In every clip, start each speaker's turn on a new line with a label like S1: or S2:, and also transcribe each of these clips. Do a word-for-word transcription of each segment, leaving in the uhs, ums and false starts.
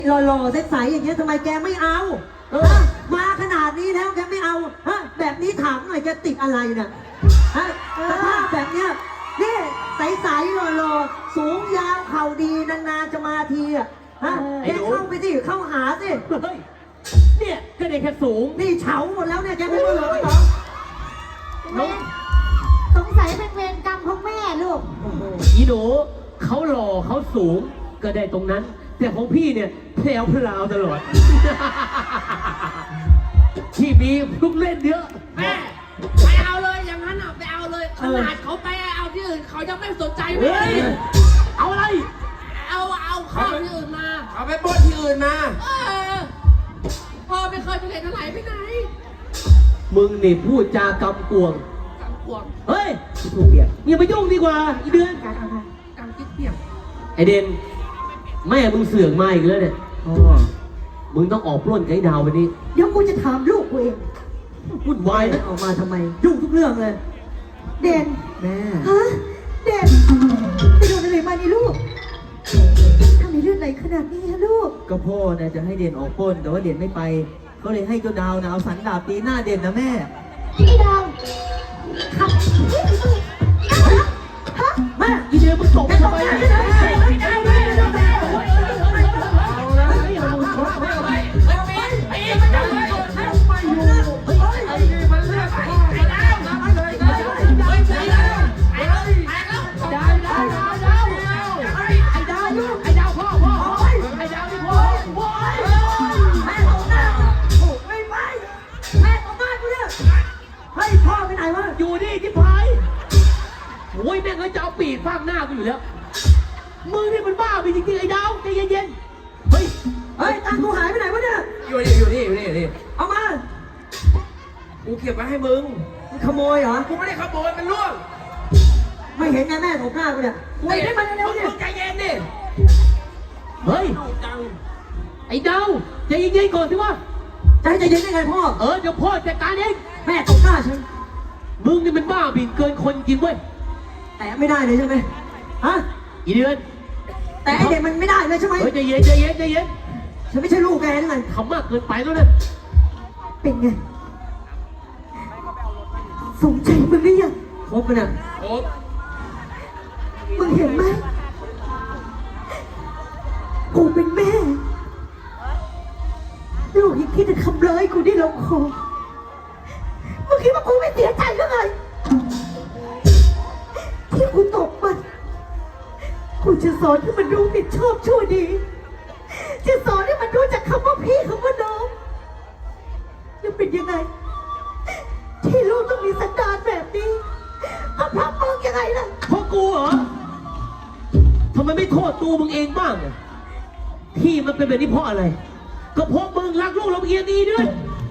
S1: หล่อๆใสๆอย่างเงี้ยทำไมแกไม่เอาเออมาขนาดนี้แล้วแกไม่เอาฮะแบบนี้ถามหน่อยแกติดอะไรเนี่ยฮะสภาพแบบเนี้ยนี่ใสๆหล่อๆสูงยาวเข่าดีนานๆจะมาทีอ่ะฮะแกเข้าไปสิเข้าหาสิ
S2: เฮ้ยเนี่ยก็ได้แค่สูง
S1: นี่เฉาหมดแล้วเนี่ยแกไม่รู้เหรอเหรอ
S3: สงสัยเป็นเวรกรรมของแม่ลูก
S2: อีหนูเขาหล่อเขาสูงก็ได้ตรงนั้นแต่ของพี่เนี่ยแพรวพราวตลอดที่มีลูกเล่นเยอะ
S4: แม่ไปเอาเลยอย่างนั้นอ่ะไปเอาเลยขนาดเขาไปเอาที่อื่นเขายังไม่สนใจเลย
S2: เอาอะไร
S4: เอาเอาข้าวที่อื่นมา
S5: เอาไปปล้นที่อื่นมา
S4: เออพ่อไม่เคยไปไหนมาไหนไปไหน
S2: มึงนี่พูดจากำกวง
S4: กำกวง
S2: เฮ้ยถูกเปียกอย่าไปยุ่งดีกว่าอีเดือน
S4: กำกิ๊กเปียก
S2: ไอเดนแม่มึงเสื่องมาอีกแล้วเนี่ยมึงต้องออกปล้นไกด์ดาววันนี้
S1: เดี๋ยวกูจะถามลูกกูเอง
S2: วุ่นวายนะ
S1: ออกมาทำไมยุ่งทุกเรื่องเลยเด่นแม่ฮะเด่นไปโดนอะไรมานี่ลูกทำในเรื่องไหนขนาดนี้ฮะลูก
S6: ก็พ่อเนี่ยจะให้เด่นออกปล้นแต่ว่าเด่นไม่ไปก็เลยให้เจ้าดาวนะเอาสันดาบตีหน้าเด่นนะแม่
S3: ไอ้ดาวขับ
S1: ฮะแม่
S2: อีเดียมึงตกทำไมไม่ได้ไม่ได้ไม่ได้อยู่นี่ที่พายโอ้ยแม่งก็จะเอาปีดฟาดหน้ากูอยู่แล้วมึงนี่มันบ้าไปจริงๆไอ้ดาวใจเย็นๆเฮ้ย
S1: เฮ้ยตังกูหายไปไหนวะเนี่ย
S5: อยู่นี่อยู่นี่อยู่นี่อยู่นี่
S1: เอามา
S5: กูเก็บไว้ให้มึง
S1: ขโมยเหรอ
S5: กูไม่ได้ขโมยมันล่วง
S1: ไม่เห็นไงแม่ของข้ากูเนี่ยกูได้มาเร็วๆเนี่ย
S5: ใจเย็นดิ
S2: เฮ้ยไอ้ดาวใจเย็นๆก่อนสิวะ
S1: ใจใจเย็นได้ไงพ่อ
S2: เออเดี๋ยวพ่อจัดการเอง
S1: แม่ตกหน้าฉัน
S2: มึงนี่มันบ้าบินเกินคนจริงเว้ย
S1: แต่ไม่ได้เลยใช่ไหมฮะ
S2: อีเดือน
S1: แต่ไอเด็กมันไม่ได้เลยใช่ไหม
S2: เฮ้ยใจเย็นใจเย็นใจเย็น
S1: ฉันไม่ใช่ลูกแกนั่นไง
S2: ทำมากเกินไปแล้วนะ
S1: เป็นไงสงใจมึงหรือยังครบมันอ่ะ
S5: ครบ
S1: มึงเห็นไหมกูเป็นแม่ลูกยังคิดจะทำร้ายกูได้ลงคอมึงคิดว่ากูไม่เสียใจหรือไงที่กูตกมันกูจะสอนให้มันรู้ผิดชอบชั่วดีจะสอนให้มันรู้จักคำว่าพี่คำว่าน้องยังเป็นยังไงที่ลูกต้องมีสันดานแบบนี้เอาพระมึงยังไงล่ะ
S2: เพราะกูเหรอทำไมไม่โทษตัวมึงเองบ้างอ่ะที่มันเป็นแบบนี้เพราะอะไรก็เพราะมึงรักลูกเราเอียดดีด้วย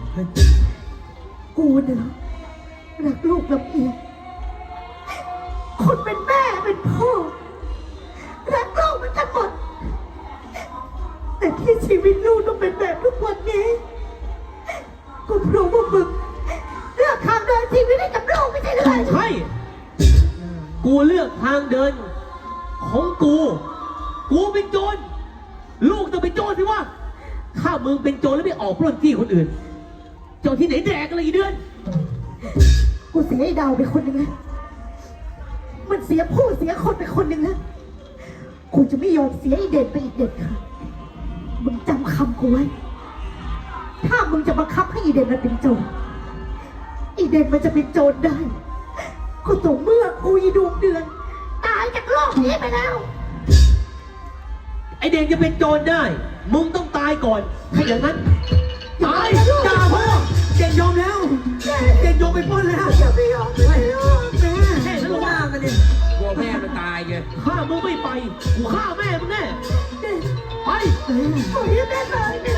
S1: กูเนี่ยรักลูกลำเอียงคนเป็นแม่เป็นพ่อรักลูกมันกันหมดแต่ที่ชีวิตลูกต้องเป็นแบบทุกวันนี้ก็เพราะว่ามึงเลือกทางเดินชีวิตให้กับลูกไม่ใช่หรือไง
S2: ใช่กูเลือกทางเดินของกูกูเป็นโจรลูกต้องเป็นโจรสิวะถ้ามึงเป็นโจรแล้วไม่ออกปล้นจี้คนอื่นโจรที่ไหนแดกอะไรอีเดือน
S1: กูเสียไอ้ดาวไปคนหนึ่งนะมันเสียผู้เสียคนไปคนหนึ่งนะกูจะไม่ยอมเสียไอ้เด่นไปอีกเด็ดค่ะมึงจำคำกูไว้ถ้ามึงจะบังคับให้อีเด่นมันเป็นโจรอีเด่นมันจะเป็นโจรได้ก็ต่อเมื่อกูอีดวงเดือนตายจากโลกนี้ไปแล้ว
S2: ไอเด่นจะเป็นโจรได้มึงต้องตายก่อนถ้าอย่างนั้นตาย
S1: ด่าพ่อเด่นยอมแล้วเด่นยอมไปพ้นแล้วอย่าไปยอมไม่ยอมแม่แค่ลูกหน้ามันเนี่ย
S5: กลัวแม่มันตายไง
S2: ฆ่ามึงไม่ไปกูฆ่าแม่มึงแน่ไป
S1: โอ้ยแม่ตาย